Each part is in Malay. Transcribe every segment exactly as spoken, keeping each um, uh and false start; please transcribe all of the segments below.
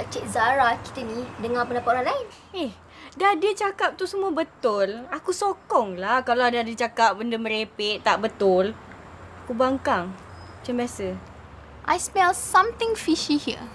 harap Cik Zara kita ni dengar pendapat orang lain. Eh, dah dia cakap tu semua betul. Aku sokong lah kalau ada dia cakap benda merepek, tak betul. Aku bangkang. Macam biasa. I smell something fishy here.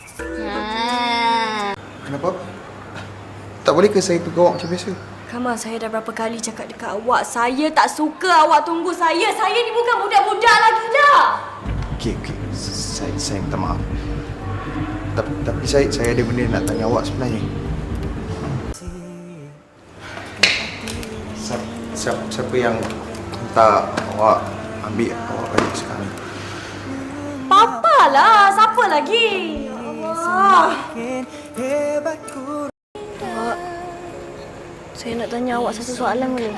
Ha. Kenapa? Tak boleh ke saya tunggu awak macam biasa? Kamal, saya dah berapa kali cakap dekat awak. Saya tak suka awak tunggu saya. Saya ni bukan budak-budak lagi dah. Okey, okey. Saya, saya minta maaf. Tapi, tapi saya saya ada benda nak tanya awak sebenarnya. Siapa, siapa, siapa yang minta awak ambil awak balik sekarang? Papa lah. Siapa lagi? Allah. Awak, saya nak tanya awak satu soalan boleh?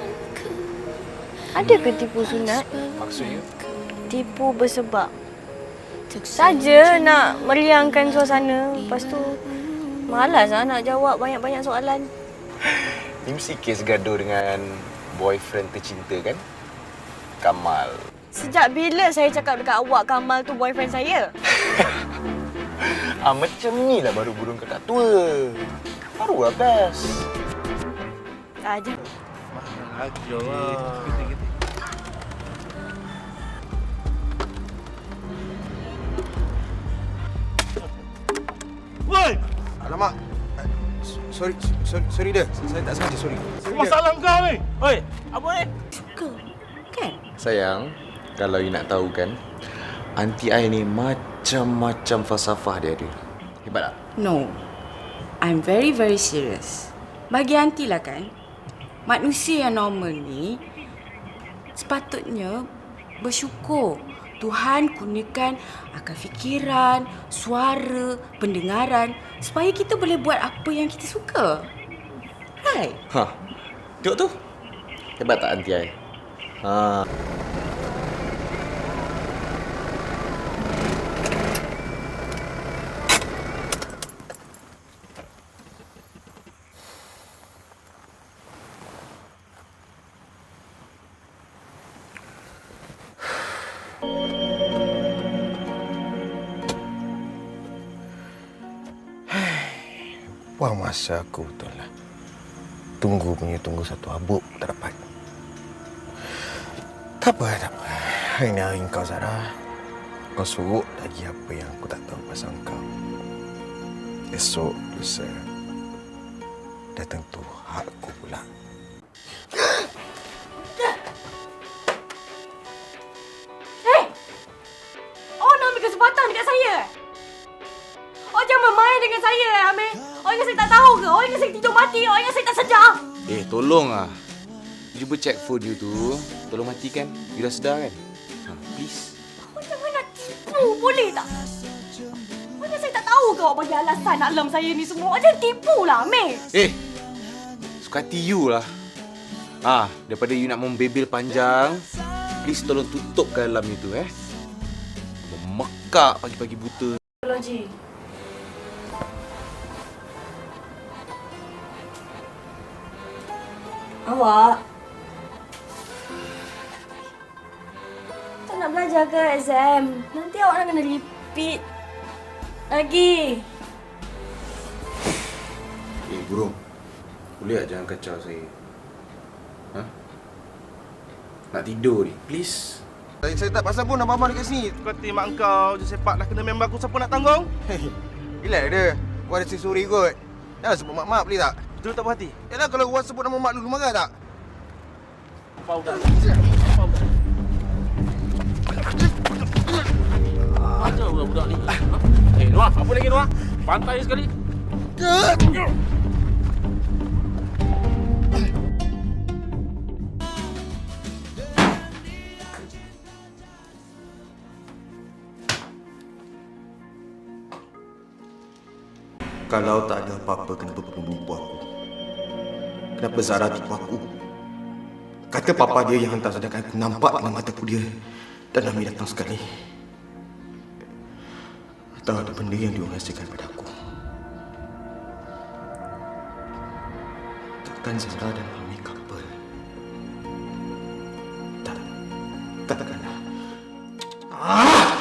Ada ke tipu sunat? Maksudnya? Tipu bersebab. Saja nak meriangkan suasana. Lepas tu malas lah nak jawab banyak-banyak soalan. Ni mesti kes gaduh dengan boyfriend tercinta kan? Kamal. Sejak bila saya cakap dekat awak Kamal tu boyfriend saya? Ah, macam ni lah baru burung kakak tua. Baru lah best. Aja. Ajar lah. Woi! Alamak. Sorry, sorry, sorry dah. Saya tak sengaja, sorry. sorry Masalah kau ni. Oi, apa ni? Suka. Kan? Sayang, kalau you nak tahu kan, aunty I ni macam-macam falsafah dia ada. Hebat tak? No. I'm very, very serious. Bagi aunty lah kan, manusia yang normal ni sepatutnya bersyukur. Tuhan kurniakan akal fikiran, suara, pendengaran supaya kita boleh buat apa yang kita suka. Right? Ha. Tengok tu. Hebat tak aunty I? Ha. Buang masa aku betul lah. Tunggu punya tunggu satu habuk tak dapat. Tak apa, tak apa. Hari ni hari kau, Zara. Kau suruh lagi apa yang aku tak tahu pasal kau. Esok, lusa. Dah tentu hak aku pula. Hey! Oh, nak ambil kesempatan dekat saya? Oh, jangan main dengan saya, Amir. Oh, ingat saya tak tahu ke? Oh, ingat saya tidur mati. Oh, ingat saya tak sedar. Eh, tolong ah. You cuba check phone you tu. Tolong matikan. You dah sedar kan? Ha, please. Oh, jangan nak tipu. Boleh tak? Oh, ingat saya tak tahu ke awak bagi alasan nak lem saya ni semua. Oh, jangan tipu lah, Amir. Eh, suka hati you lah. Ah, daripada you nak membebel panjang, please tolong tutupkan alam you tu eh. Memekak pagi-pagi buta. Logi. Awak tak nak belajar ke exam? Nanti awak nak kena repeat lagi. Eh, burung. Boleh tak jangan kacau saya? Ha? Nak tidur ni, please. Saya, saya tak pasal pun abang-abang dekat sini. Kau mak kau je sepak dah kena member aku, siapa nak tanggung? Hei, relax dia. Gua ada suri kot. Jangan sebut mak-mak boleh tak? Betul tak puas hati? Yalah, kalau gua sebut nama mak dulu marah tak? Apa udah? Apa udah? Macam budak-budak ni. Eh, Noah, apa lagi Noah? Pantai sekali. Kalau tak ada apa-apa, kenapa perlu menipu aku? Kenapa Zara tipu aku? Kata papa dia yang hantar, sedangkan aku nampak dengan mataku dia dan Ami datang sekali. Atau ada benda yang dia rahsiakan pada aku. Takkan Zara dan Ami couple? Tak. Takkanlah. Ah!